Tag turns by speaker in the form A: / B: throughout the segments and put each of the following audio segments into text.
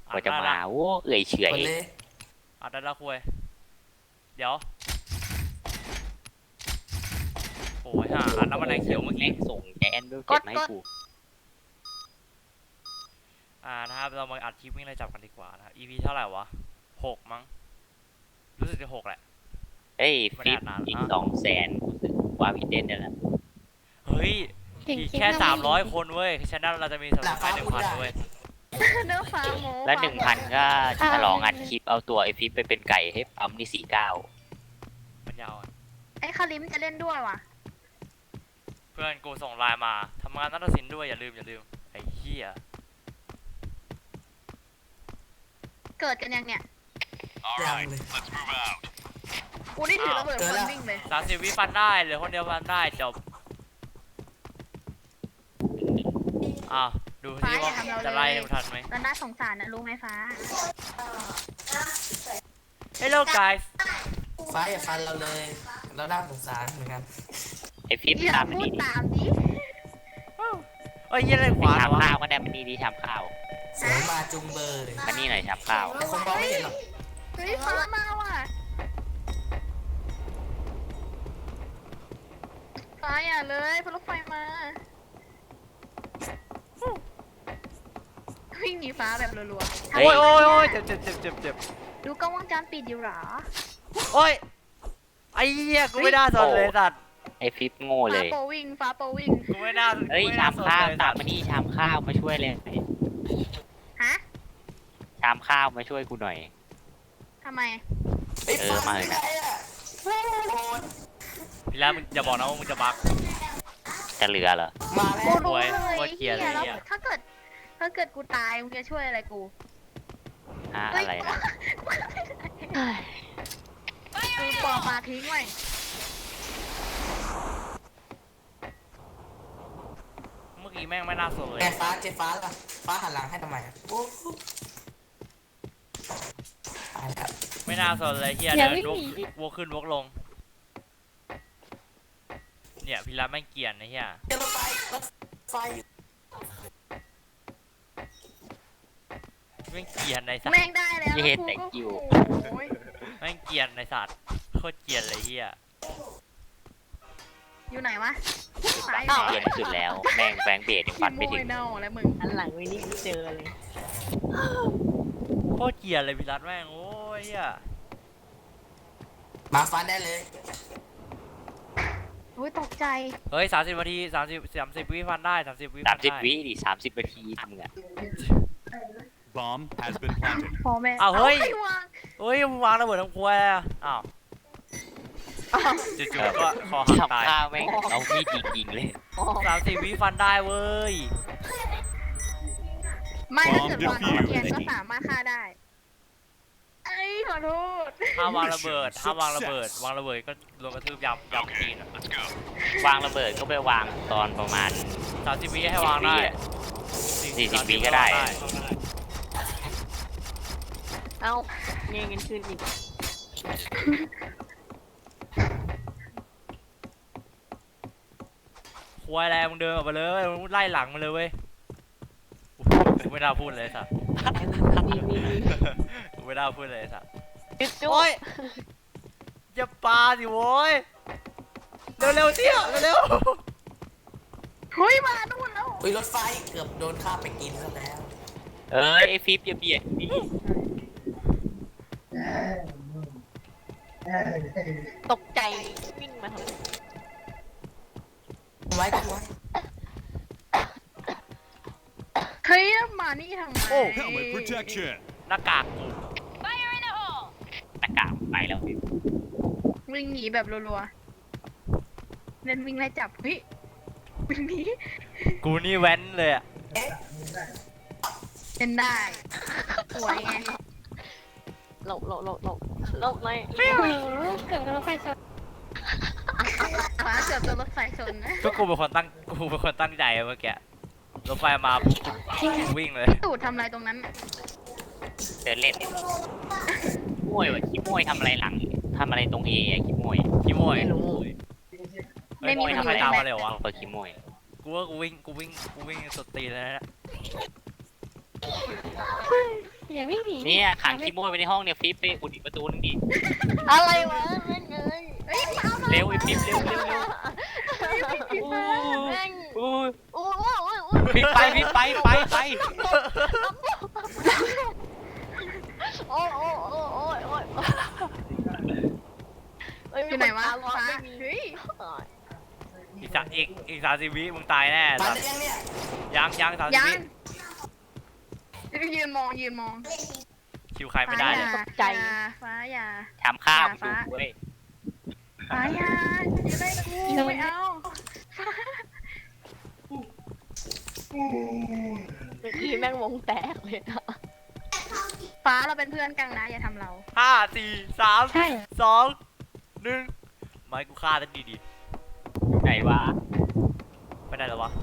A: กว่าจะมาโอ้เอื่อยเฉอย
B: อัดได้ละคุยเดี๋ยวโอ้ยห่าอัดแล้วมันแดงเขียวเมื่อกี้
A: ส่งแกนเบลเจ็ดมาให้กู
B: นะครับเรามาอัดคลิปวิ่งไล่จับกันดีกว่านะครับ EP เท่าไหร่วะ6มั้งรู้สึกจะ6แหละ
A: เฮ้ยฟิปอีก200,000รู้สึกว่าพี่เด่นเนี่ยแหละ
B: เฮ้ยอีกแค่300คนเว้ยฉะนั้นเราจะมีสับสไครบ์1,000เว้ย
C: เนื้อฟ้าโม
A: และ1,000ก็ฉลองอัดคลิปเอาตัวไอฟิปไปเป็นไก่ให้ปั๊มนี่49
B: มันยาว
C: ไอ้คาริมจะเล่นด้วยว่ะ
B: เพื่อนกูส่งไลน์มาทำงานนัฏศิลป์ด้วยอย่าลืมไอ้เหี้ย
C: เกิดกันยังเนี่ย
D: ยังเลย
C: กูได้ถือระเบิดคนวิ่งเลย
B: 30 วิฟันได้เหลือคนเดียวฟันได้จบดูที่ว่าจะไล่ทันไหม
C: แล้วน่าสงสารนะรู้ไหมฟ้า
B: Hello guys
D: ฟ้าอย่าฟันเราเลยเราน่าสงสารเหมือนกัน
A: ไอฟิป
C: อย่า
A: ตาม
C: พู
A: นี่
C: ด
A: ดิ
C: ตามดิ
B: เอ้ยยังไงขวาเหรอ
A: ทำ
B: วะ
A: ข้าวก็ได้มันนี่ดิทำข้าว
D: เสียงมาจุงเบอร์เลย
A: มันนี่หน่อยทำข้าว
D: แต่คนมองไม่เห็นหรอก
C: เฮ้ยฟ้ามาว่ะฟ้าอย่าเลยพลุไฟมาวิ่งหนีฟ้าแบบรัวๆ
B: โอ้ยเจ็บ
C: ดูกล้องวงจรปิดอยู่หรอ
B: โอ้ยไอ้เหี้ยกูไม่น่าสนเลยสัตว์
A: ไอฟิปโง่เล
C: ฟ้าย โปวิ่ง
B: กูไม่น่า
A: เฮ้ยชามข้าวตามมานี่ชามข้าวมาช่วยเลย
C: ฮะ
A: ชามข้าวมาช่วยกูหน่อย
C: ทำไม
A: มาเลยนะ
B: พี่แล้วมึงอย่าบอกนะว่ามึงจะบัก
A: จะเหลือเหรอ
D: มาแล้
C: กู
D: ว
C: รู้เลย
B: โคตรเกลียดเลย
C: แล้ว
B: เนี่ย
C: ถ้าเกิดกูตายมึงจะช่วยอะไรกู
A: อะไรนะ
C: กูปอกมาทิ้งไว้
B: เมื่อกี้แม่งไม่น่าสนเลย
D: แกฟ้าเจ๊ฟ้าล่ะฟ้าหันหลังให้ทำไมอ่ะโอ้ตายแล้ว
B: ไม่น่าสนเลยเฮียเดินวกขึ้นวกลงเนี่ยพี่รับแม่งเกลียดนะเฮีย
D: เดี๋ยวรถไฟ
B: แม่งเกลียดในสัตว์
C: แม่งได้แล้ว
A: เย้
C: แล้ว
A: thank you
C: โอ้ย
B: แม่งเกลียดในสัตว์โคตรเกลียดเลยเฮีย
C: อยู่ไหนวะ
A: เกลียดที่สุดแล้วแม่งแบงเบดยัง
C: ขี้
A: ปัด
C: โม
A: ไม่ถึ
C: ย
A: ง
C: เน่าแล้วมึง
E: อันหลังวินี่เจอเลย
B: โคตรเกลียดเลยพี่รัตแม่งโอ้ยเฮีย
D: มาฟันได้เลย
C: โอ้ยตกใจ
B: เฮ้ย30 นาที30 วิฟันได้30 วิฟันได้
A: 30 วิดิ30 นาทีทำไง
F: Bomb has been planted.
C: พอแม่
B: อ้าวเฮ้ย
C: ไม่วาง
B: เฮ้ยมึงวางระเบิดทำครัวอ่ะอ้าวจู่ๆก็คอหัก
A: ทำ
B: ตาย
A: ข้าวแม่งเอามีดยิงเลย
B: 30 วิฟันได้เว้ย
C: ไม่ถ้าเกิดวางเอาเทียนก็สามารถฆ่าได้ไอ้ยขอโทษ
B: ห้ามวางระเบิดวางระเบิดก็โดนกระทืบยำจีน
A: วางระเบิดก็ไปวางตอนประมาณ
B: 30 วิให้วางได้
A: 40 วิก็ได้
E: เอ้าเงี้ยกันคืนอีก
B: ควายแรงมึงเดินออกไปเลยมึงไล่หลังมันเลยเว้ยกูไม่น่าพูดเลยสัตว์กูไม่น่าพูดเลยสัตว์
E: จุ๊
B: โอ้ยอย่าปาสิโว้ยเร็วเที่ยวเร็ว
C: เฮ้ยมานู่นแล้ว
D: อุ้ยรถไฟเกือบโดนข้ามไปกินซะแล้ว
A: เอ้ยไอฟิปอย่าเบียดดิ
E: ตกใจวิ่งมาทำไม
D: ไว้กันไว้
C: เฮ้ยมานี่ทำไม
F: Helmet protection.
B: หน้ากากกู
A: หน้ากากไปแล้วฟิป
C: วิ่งหนีแบบรัวๆเล่นวิ่งไล่จับเฮ้ยวิ่งหนี
B: กูนี่แว้นเลยอ่ะ
C: เล่นได้สวยไง
E: หลบไม่เกิดรถไฟชน
C: ฟ้าเกือบโดนรถไฟชนนะ
B: ก็กูเป็นคนตั้งใจเมื่อกี้รถไฟมาวิ่งเลย
C: ตูดทำอะไรตรงนั้นน่ะ
A: เดินเล่นมวยว่ะขี้มวยทำอะไรหลังทำอะไรตรงเอะขี้มวย
B: ขี้โมย
E: ไม่รู้
C: ไม่มี
B: ทำ
C: คน
B: ไม
C: อยู่
B: ตาม
C: ใน
B: มา
C: แม
B: เร็ววะ
A: เปิดขี้มวย
B: กูวิ่งสุดตีนเลยนะ
E: อย่าวิ่งหนี
A: เนี่ยขังขี้โมยไว้ในห้องเนี่ยฟิปไปอุดอีกประตูนึงดิ
E: อะไรวะแม่งเอ้ย
C: เฮ้ยมา
A: เร็วไอ้ฟิปเร็วเร็วเร็ว
E: แม่ง
A: อู้
E: โอ้ยโอ้ยโอ้ย
A: ฟิปไปฟิปไปไปไป
E: โอ้ยโอ้ยโอ้ยโอ้ยโอ้ยเอ้ย
C: อยู่ไหนวะ
E: มีค
C: ฟ้า
E: ตาไม่มี
C: เฮ้ย
B: อีก30 วิมึงตายแน่
D: ฟัน
B: สัต
D: ได้
B: ว์
D: ยังเนี่ย
B: ยัง30
C: ยั
B: วิ
C: งยืนมองยืนมอง
B: คิวใครไม่ได้เลย
C: อย่าฟ้าอย่า
A: ทำข้าว
C: ฟ้า
A: ดูเว้ย
C: ฟ้าอย่าจะได้กูไม่เอา
E: เมื่อกี้แม่งวงแตกเลยอะ
C: ฟ้าเราเป็นเพื่อนกันนะอย่าทำเรา
B: 5 4 3 2 1ไม่กูฆ่าตั้งดี
A: ไหนวะ
B: ๆไม่ได้หรอวะ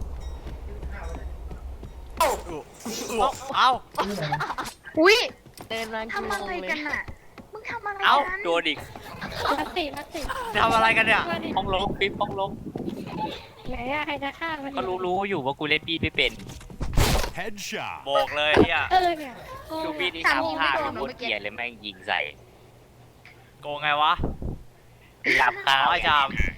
D: เอ้า
B: เอ้า
C: อุ้ย
E: เดินมา
C: ทำอะไรกันน่ะมึงทำอะไร
A: เอ้า
C: กัน
A: โดนอีก
E: มาสิมาสิ
B: ทำอะไรกันเนี่ย
E: มาดิ
A: ห้องลงฟิปห้องลง
E: ไหนอะใครจะฆ่ามัน
A: ก็รู้อยู่ว่ากูเล่นปีดไม่เป็น
F: Headshot.
B: โบกเลยเฮีย
E: เนี่ยโอ้
A: ดู
E: ย
A: ปีดที่ทำข้าวโคตรเกลียดเลยแม่งยิงใส่
B: โกงไงวะ
A: จับข้าว
B: ไอ้จาม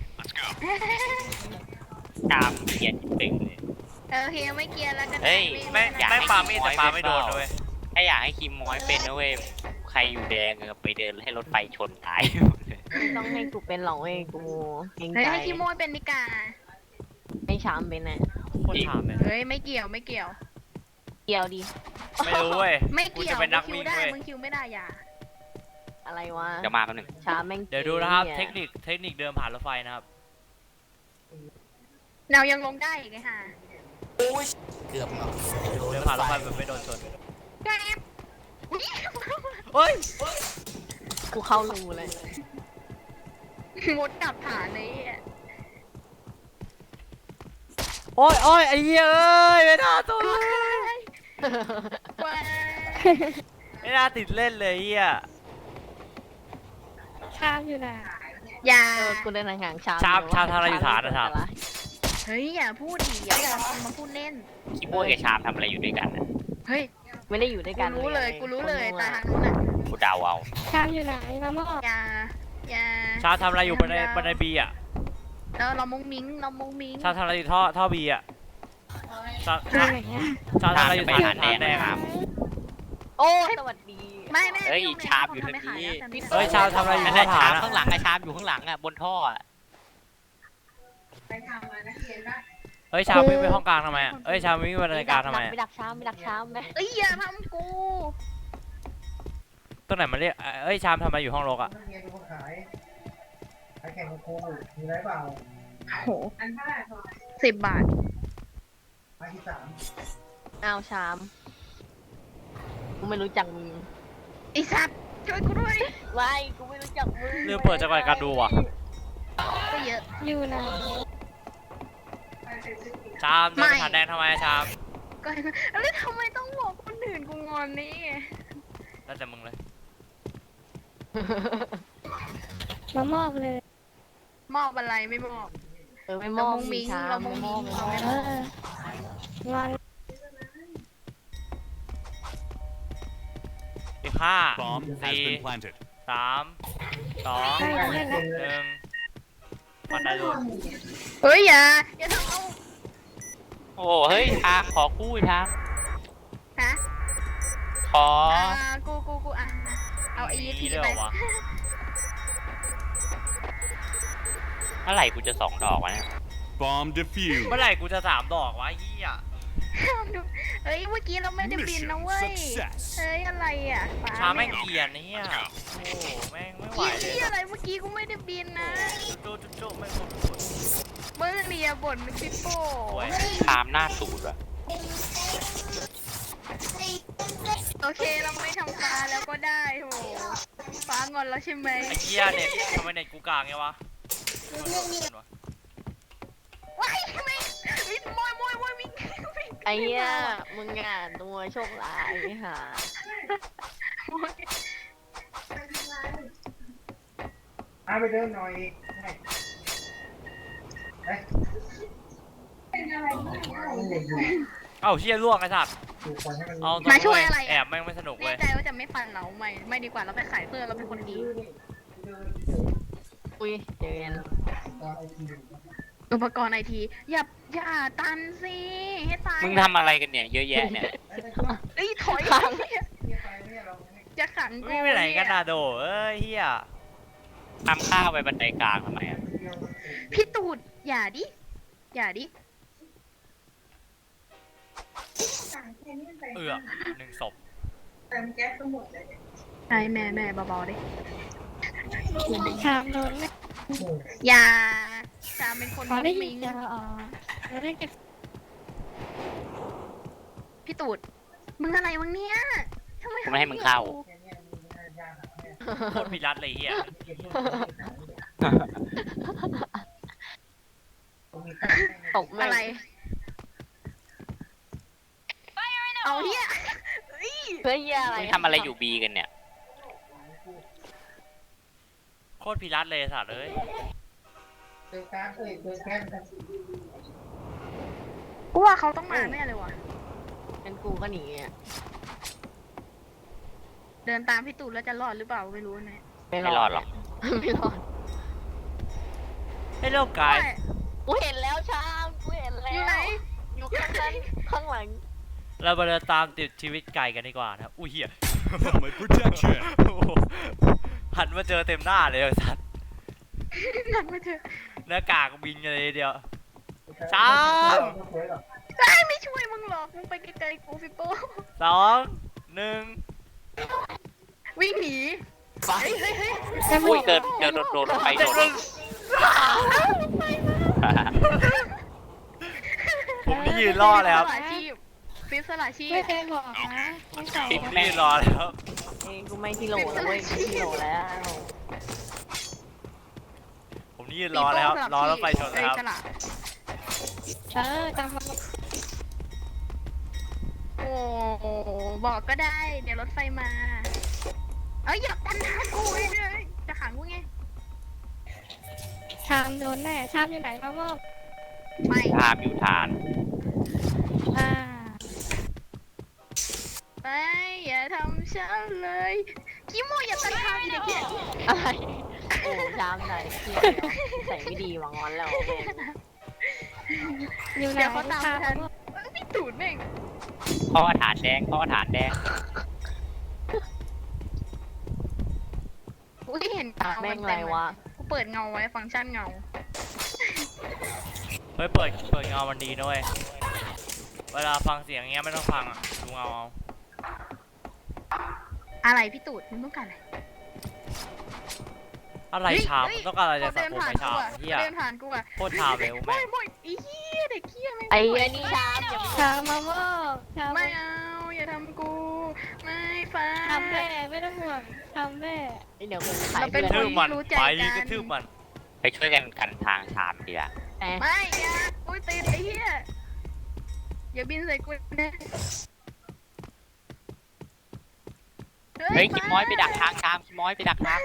A: จามเกลียดตึงเลย
C: โอเคไม่เกลียร์แล้วกัน
A: เฮ้ย
B: แม่ง
A: อยาก
B: แม่ง
A: ให้
B: ปามีดแต่ปาไม่โดน
A: คิมมอยเป็นเปล่า
B: เลย
A: ถ้าอยากให้คิมมอยเป็นนะเว้ยใครอยู่แดงอะไปเดินให้รถไฟชนตาย
E: ต้องให้กูเป็นหรอกเว้ยกูเกรง
C: เฮ้ย
E: ใจ
C: ให้ขี้โมยเป็นนิกา
E: ให้ชามเป็นน่ะ
B: โคตรถามเลย
C: เฮ้ยไม่เกี่ยวไม่เกี่ยว
E: เกี่ยวดิ
B: ไม่รู้เว้ย
C: ไม่
B: กู
C: เกี่ย
B: จะ
C: ว
B: เป็นนัก
C: คิ
B: วิ่
C: ว
B: ง
C: ได้
B: เว้ย
C: มึงคิวไม่ได้อย่า
E: อะไรวะ
A: เดี๋ยวมาแป๊บนึง
E: ชามแม่ง
B: เดี๋ยวดูนะครับ
E: ก๋
B: เทคนิคเดินผ่านรถไฟนะครับ
C: เรายังลงได้อีกไงฮะ
D: โอ้ยเกือบเนาะโดน
B: เดิน
D: ร
B: ผ่าน
D: ถ
B: รถ
D: ไฟ
B: ไฟแบบไม่โดนชน
C: แกรบอุ๊ย
B: เฮ้ย
E: กูเข้ารูเลย
C: มุดกลับฐานเลยอ่ะ
B: โอ้ยโอ้ยไอ้เหี้ยเอ้ยไม่น่าตัวเลย
C: ว้าย
B: ไม่น่าติดเล่นเลยเหี้ย
E: ชามอยู่น่ะ
C: อย่า
E: กูเดินห่างๆชาม
B: ชามทำอะไรอยู่ฐานนะชาม
C: เฮ้ยอย่าพูดดิอย่ามาพูดเล่น
A: คิมมอยกับชามทำอะไรอยู่ด้วยกันอะ
C: เฮ้ย
E: ไม่ได้อยู่ด้วย
C: กู
E: กัน
C: รู้เลยกูรู้เลยตาทางนู้นอ่ะ
A: กูเดาเอา
E: ชามอยู่ไหนมาหม้อ
C: อย่า
B: ชาทำอะไรอยู่บันไดบีอ่ะ
C: แล้วเรามุ้งมิ้งเรามุ้งมิ้ง
B: ชาทำอะไรอยู่ท่อบีอ่ะชา
E: อยู่ไหนอะ
B: ชาทำอะไรอยู่
A: ไป
B: ฐา
A: หาน แดง
B: แดง
A: ครับ
E: โอ้สวัสดี
C: ไม่แม่
A: เฮ้ย
C: ยุ่ง
A: ชาบอยู่
C: ทำไม่
A: ทางนี้
C: ขายแล้ว
B: เฮ้ยชามทำอะไรอยู่
A: นั่น
B: ท่
A: แห
B: อ
A: ละ
B: ฐา
A: ชาน ม
B: อะ
A: ข้างหลังอะชามอยู่ข้างหลังอะบนท่ออะ
B: เฮ้ยชามวิ่งไปห้องกลางทำไมอ่ะเฮ้ยชามวิ่งไปบันไดกลางทำไมอะ
E: ไม่ดักชามไม่ดักชามไหม
C: เอ้ยอย่าทำกู
B: ตรงไหนมันเรียกเอ้ยชามทำอะไรอยู่ห้องรกอ่ะ
G: เงินคนขายขายแข่งกับครูมีไรเปล่า
C: โห10 บาท
G: ไม้ที่สาม
E: อ้าวชามกูไม่รู้จักมึง
C: ไอ้สัตว์ช่วยกูด้วย
E: ไม่กูไม่รู้จักมึง
B: ลืมเปิดจังหวะการดูว่ะ
C: ก็เยอะ
E: อยู่นะ
B: ชามเดินไปฐานแดงทำไมอะชาม
C: ก็แล้วทำไมต้องบอกคนอื่นกูงอนนี่
B: แล้วแต่มึงเลย
E: มามอบเลย
C: มอบอะไรไม่มอบ
E: ไม่มอบ
C: เรามุ้งมิ้ง
E: ชาม
C: เรามุ้งมิ้ง
E: เราไม่มอบงอน
B: อีก
F: Bomb
B: 5
F: has
B: 4
F: been planted.
B: 3 2 1ปันได้เลย
C: เฮ้ยอย่าทำเอา
A: โอ้เฮ้ยชามขอกู้ชาม
C: ฮะ
A: ขอ
C: กูอ่ะเอาไอ้ยีที
B: ด้วย
C: ไป
B: เหรอวะ
A: เมื่อไหร่กูจะ2 ดอกวะเนี่ย
F: Bomb defused.
B: เมื่อไหร่กูจะ3 ดอกวะเฮีย
C: เฮ้ยเมื่อกี้เราไม่ได้บินนะเว้ย
F: Mission success.
C: เฮ้ยอะไรอ่ะฟ้
B: ชามแม่งเกลียนเฮียโอ้แม่งไม่ไหว
C: เกลียด
B: เลย
C: ที่อะไรเมื่อกี้กูไม่ได้บินนะ
B: จุ๊แม่งโคตรปวด
C: มึงเนี่ยบ่นมึงซิโป้
B: โอ้ย
A: ชามหน้าสูดอะ
C: โอเคเราไม่ทำฟ้าแล้วก็ได้โหฟ้างอนแล้วใช่ไหม
B: ไอ้เฮียเน็ตทำไมเน็ตกูกลางไงวะ
C: ว้ายไม่วิ่งมวยวิ่ง
E: ไอ้เหี้ยมึงอ่ะตัวโชคร้ายค่ะ
G: ไปเดินหน่อยให้เฮ้ย
B: เอ้าเฮียล่วงไอ้สัตว์
G: ปลูกคนให้มัน
B: เอา
C: มาช่วยอะไร
B: แอบแม่งไม่สนุก
C: แน่
B: เว้ย
C: ใจว่าจะไม่ฟันเราไม่ดีกว่าเราไปขายเพื่อเราเป็นคนดี
E: อุ้ยเจอกัน
C: อุปกรณ์ไอทีอย่าตันสิให้ตาย
A: มึงทำอะไรกันเนี่ยเยอะแยะเนี่ย
C: เอ้ยถอยจะขังกู
B: วิ่งไปไหนกันน่ะโดเอ้ยเฮีย
A: ทำข้าวไปบันไดกลางทำไมอ่ะ
C: พี่ตูดอย่าดิ
B: เอือ1 ศพ
C: ใช่แม่เบาๆดิ
H: ถามโดนเลย
C: อย่าจามเป็นคน
H: ขอได้ยิ
C: มิ
H: น
C: ง
H: จะอ๋อเราได้เก็บ
C: พี่ตูดมึงอะไรวะเนี่ยทำไม
A: กูไม่ให้มึงเข้า
B: โคตรพิรัตเลยเฮีย
E: ตกแม่
C: อะ
E: ง
C: ไร เอาเฮียเฮ้ย
E: เพื่อเหี้ยอะไร
A: มึงทำอะไรอยู่บีกันเนี่ย
B: โคตรพิรัตเลยสัตว์เอ้ย
G: เจอการเอ้ยเจอแค่กัน
C: กูว่าเขาต้องมาแน่เลยว่ะ
E: เป็นกูก็หนีอ่ะ
C: เดินตามพี่ตูดแล้วจะรอดหรือเปล่าไม่รู้นะ
A: ไม่รอดหรอก
E: ไม่รอด
B: ให้โลกกาย
E: กูเห็นแล้วชามกูเห็นแล้
C: อยู่ไหน
E: วอยู่ข้างนั้นข้างหลัง
B: เรามาเดินตามติดชีวิตไก่กันดีกว่านะครับอุ้ยเฮีย
F: Helmet protection.
B: โอ้โหหันมาเจอเต็มหน้าเลยไอ้สัตว์
C: นั่นมาเถอะ
B: หน้ากากบินกันเลยทีเดียว
G: ช้า
C: ไม่ช่วยมึงหรอกมึงไปไกลๆกูฟิโป้
B: 2 1
C: วิ่งหนี
D: ฟัน
C: เฮ้ย
A: อุ้ยเดินโดนไปโดน
B: ผมนี่ยืนรอเลยครับ
C: ฟิปสละชีพ
H: ไม่เคยบอกนะไม่ใส่
A: ปิด
B: ผม
A: แม่
B: นี่
A: ง
B: ยืนรอแล้ว
E: เองกูไม่ที่โหลแล้วเว้ยกูที่โหลแล้ว
B: ผมนี่ยืนรอแล้วรอรถไฟชนแล้วครับ
H: ตามมา
C: โอ้บอกก็ได้ เดี๋ยวรถไฟมา เอ้ยอย่าตันหากูเลยจะขังกูไง
H: ชามโดนแน่ชามอยู่ไหนมาบอก
C: ไม่
A: ภาพอยู่ฐาน
H: อ่า
C: ไม่อย่าทำฉันเลยคิโมอย่าตันทางอีเด็กเหี้ย
E: อะไรโอ้ชามไหนเที่ยใส่ไม่ดีหวังวันแล้วแม่ง
H: อยู่ไหน
C: เดี๋ยวเขาตาม
H: ชาม
C: ทันพี่ตูดแม่ง
A: พ่อฐานแดงพ่อฐานแดง
C: อุ้ยเห็น
E: แม่งอะไรวะ
C: กูเปิดเงาไว้ฟังก์ชันเงา
B: เฮ้ยเปิดเงามันดีนะเว้ยเวลาฟังเสียงเงี้ยไม่ต้องฟังอ่ะดูเงาเอา
C: อะไรพี่ตูดมึงต้องการอะไร
B: อะไรชามมันต้องการอะไรจากสัง
C: เดิน
B: คม
C: ผ่าน
B: ไม่ชา
C: กู
B: ม
C: อะ
B: เฮีย
C: เดินผ่านกูอะ
B: โคตรชามเลย
C: บ่
B: แม่
C: อย
B: ง
C: บ่อยไอ้เหี้ยเด็กเหี้ยแม่ง
E: ไอ้นี่ชามอย่า
H: ชามมาบอกชาม
C: ไม่เอาอย่าทำกูไม่ฟ้า
H: ทำแม่ไม่ต้องห่วงทำแม่
E: เดี๋ยวกูขาย
C: เราเป็
E: เพื่
C: น
E: อน
B: ทืบมัน
C: รู้ใจ
B: ไป
C: กัน
B: กระทืบมัน
A: ไปช่วยกันกันทางฐานดีละ
E: แหม
C: ไม่อย่าอุ้ยติดไอ้เหี้ยอย่าบินใส่กูนะ
A: เฮ้ยคิดม้อยไปดักทางตามคิดม้อยไปดักทาง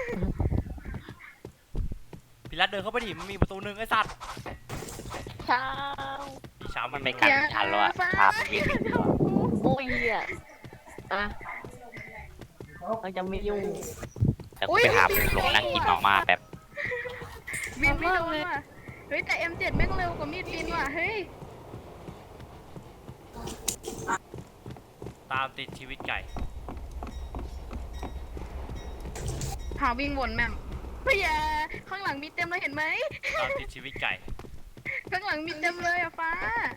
B: พิรัตเดินเข้าไปดิมันมีประตูหนึ่งไอ้สัตว์
E: ชาม
B: พี่ชาม
A: มันไม่กันทันแล้วอะทางมันวิ่ง
E: โอ้ยเหี้ยอ่ะเราจะไม่ยุ่ง
A: แต่กูไปหามุมลงนั่งกินออกมาแบบ
C: บินไม่โดนว่ะเฮ้ยแต่ M7 แม่งเร็วกว่ามีดบินว่ะเฮ้ย
B: ตามติดชีวิตไก่
C: หาวิ่งวนแม่มเฮ้ยอย่าข้างหลังมีเต็มเลยเห็นไหม
B: ตามติดชีวิตไก่
C: ข้างหลังมีเต็มเลยอะฟ้า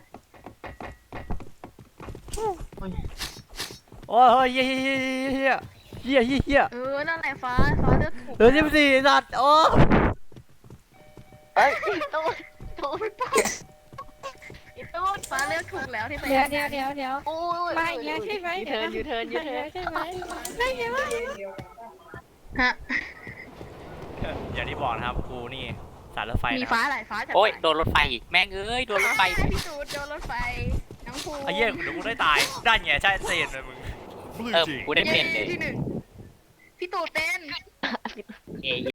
B: โอ้ยเฮียเฮียเฮียเฮียเฮียเฮีย
C: นั่นแหละฟ้าเลือกถูก
B: เดิน14สัตว์โอ้
E: เอ้ยตูดตูดอีตูด
C: ฟ้าเลือกถูกแล้วที่ไป
H: เดี๋ยว
E: โอ้ย
H: มาอีกแล้วใช่ไหม
E: ยูเทิร์นยูเทิร์นยูเทิร์น
H: ใช่ไหมไม่ใช่ไหม
C: ฮะ
B: อย่างที่บอกนะครับกูนี่สายรถไฟ
C: มี
B: นะค
C: ฟ้า
B: รับ
C: หลายฟ้าจัด
A: โอ้ยโดนรถไฟอีกแม่งเอ้ยโดนรถไฟ
C: พี่ตูดโดนรถไฟน้องภู
B: ไอ้เหี้ยเดี๋ยวกูได้ตายได้ไงใช่เซนเลยมึง
F: Blue
A: เออ
F: team.
A: กูได้เป็นเลย
C: ที่หนึ่งพี่ตูดเป็น
A: เอ